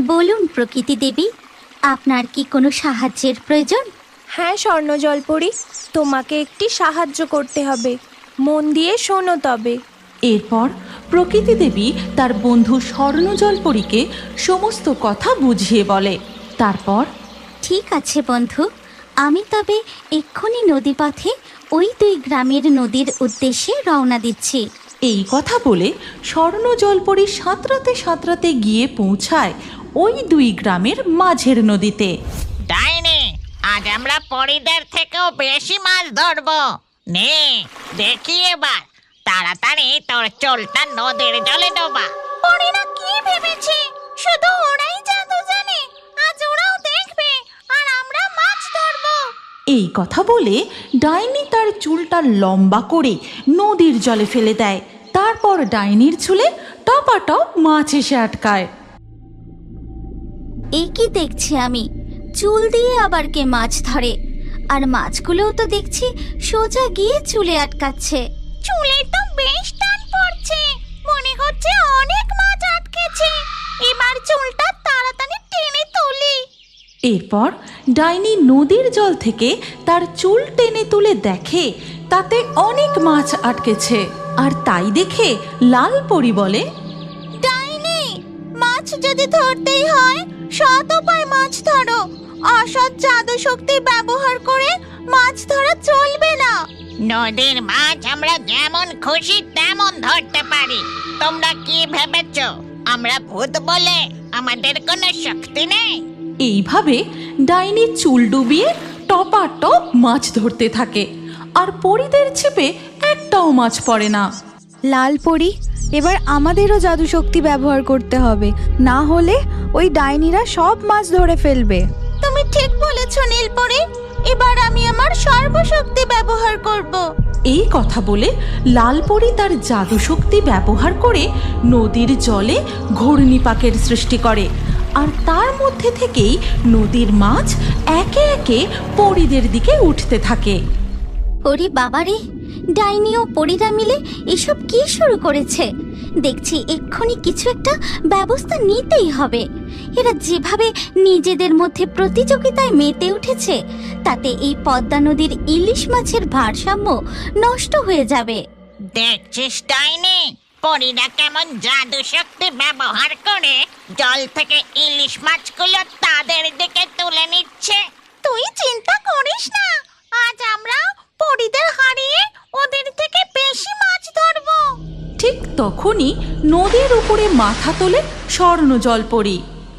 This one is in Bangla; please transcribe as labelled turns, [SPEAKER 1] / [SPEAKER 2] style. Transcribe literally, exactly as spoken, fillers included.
[SPEAKER 1] বলুন প্রকৃতি দেবী, আপনার কি কোনো সাহায্যের প্রয়োজন?
[SPEAKER 2] হ্যাঁ স্বর্ণ জলপরি, তোমাকে একটি সাহায্য করতে হবে, মন দিয়ে শোনো তবে।
[SPEAKER 3] এরপর প্রকৃতি দেবী তার বন্ধু স্বর্ণ জলপরীকে সমস্ত কথা বুঝিয়ে বলে। তারপর,
[SPEAKER 1] ঠিক আছে বন্ধু, আমি তবে এক্ষুনি নদীপথে ওই দুই গ্রামের নদীর উদ্দেশ্যে রওনা দিচ্ছি।
[SPEAKER 3] এই কথা বলে স্বর্ণ জলপরী সাঁতরাতে সাঁতরাতে গিয়ে পৌঁছায় ওই দুই গ্রামের মাঝের নদীতে।
[SPEAKER 4] ডাইনি, আজ আমরা পরিদের থেকেও বেশি মাছ ধরবো। নে দেখি এবার, তাড়াতাড়ি তোর চোলটা নদীর জলে ডোবা।
[SPEAKER 1] পরিরা কি ভেবেছে শুধু ওরাই জাদু জানে? আজ ওরাও দেখবে আর আমরা মাছ ধরবো।
[SPEAKER 3] এই কথা বলে ডাইনি তার চুলটা লম্বা করে নদীর জলে ফেলে দেয়। তারপর ডাইনির চুলে টপাটপ মাছ এসে আটকায়।
[SPEAKER 1] এই কি দেখছি আমি, চুল দিয়ে আবার কে মাছ ধরে? আর মাছগুলোও তো দেখছি সোজা গিয়ে চুলে আটকাচ্ছে। চুলে তো বেশ টান পড়ছে, মনে হচ্ছে অনেক মাছ আটকেছে। এবার চুলটা তাড়াতাড়ি টেনে তুলি।
[SPEAKER 3] এরপর ডাইনি নদীর জল থেকে তার চুল টেনে তুলে দেখে তাতে অনেক মাছ আটকেছে। আর তাই দেখে লাল পরী বলে,
[SPEAKER 1] ডাইনি, মাছ যদি ধরতেই হয় সৎ উপায় মাছ ধরো, অসৎ জাদু শক্তি ব্যবহার করে মাছ ধরা চলবে না।
[SPEAKER 4] নদীর মাছ আমরা যেমন খুশি তেমন ধরতে পারি। তোমরা কি ভেবেছ আমরা ভূত বলে আমাদের কোনো শক্তি নেই?
[SPEAKER 3] এইভাবে ডাইনি চুল ডুবিয়ে টপাটপ মাছ ধরতে থাকে। আর পরীদের ছিপে একটাও মাছ পড়ে না।
[SPEAKER 2] লাল পরি, এবার আমাদেরও জাদু শক্তি ব্যবহার করতে হবে, না হলে ওই ডাইনিরা সব মাছ ধরে ফেলবে।
[SPEAKER 1] তুমি ঠিক বলেছ নীলপরি, এবার আমি আমার সর্বশক্তি ব্যবহার করব।
[SPEAKER 3] এই কথা বলে লাল পরী তার জাদু শক্তি ব্যবহার করে নদীর জলে ঘূর্ণিপাকের সৃষ্টি করে। আর তার মধ্যে থেকেই নদীর মাছ একে একে পরীদের দিকে উঠতে থাকে।
[SPEAKER 1] ওরে বাবারে, ডাইনি ও পরীরা মিলে এসব কি শুরু করেছে? দেখছি এক্ষুনি কিছু একটা ব্যবস্থা নিতেই হবে। এরা যেভাবে নিজেদের মধ্যে প্রতিযোগিতায় মেতে উঠেছে, তাতে এই পদ্মা নদীর ইলিশ মাছের ভারসাম্য নষ্ট হয়ে যাবে।
[SPEAKER 4] দেখছিস ডাইনি, পরীরা কেমন জাদু শক্তি ব্যবহার করে জল থেকে ইলিশ মাছগুলো তাদের দিকে তুলে নিচ্ছে।
[SPEAKER 1] তুই চিন্তা করিস না, আজ আমরা পরীদের হারিয়ে ওদের থেকে বেশি মাছ ধরবো।
[SPEAKER 3] ঠিক তখনই নদীর উপরে মাথা তোলে স্বর্ণ জলপরী।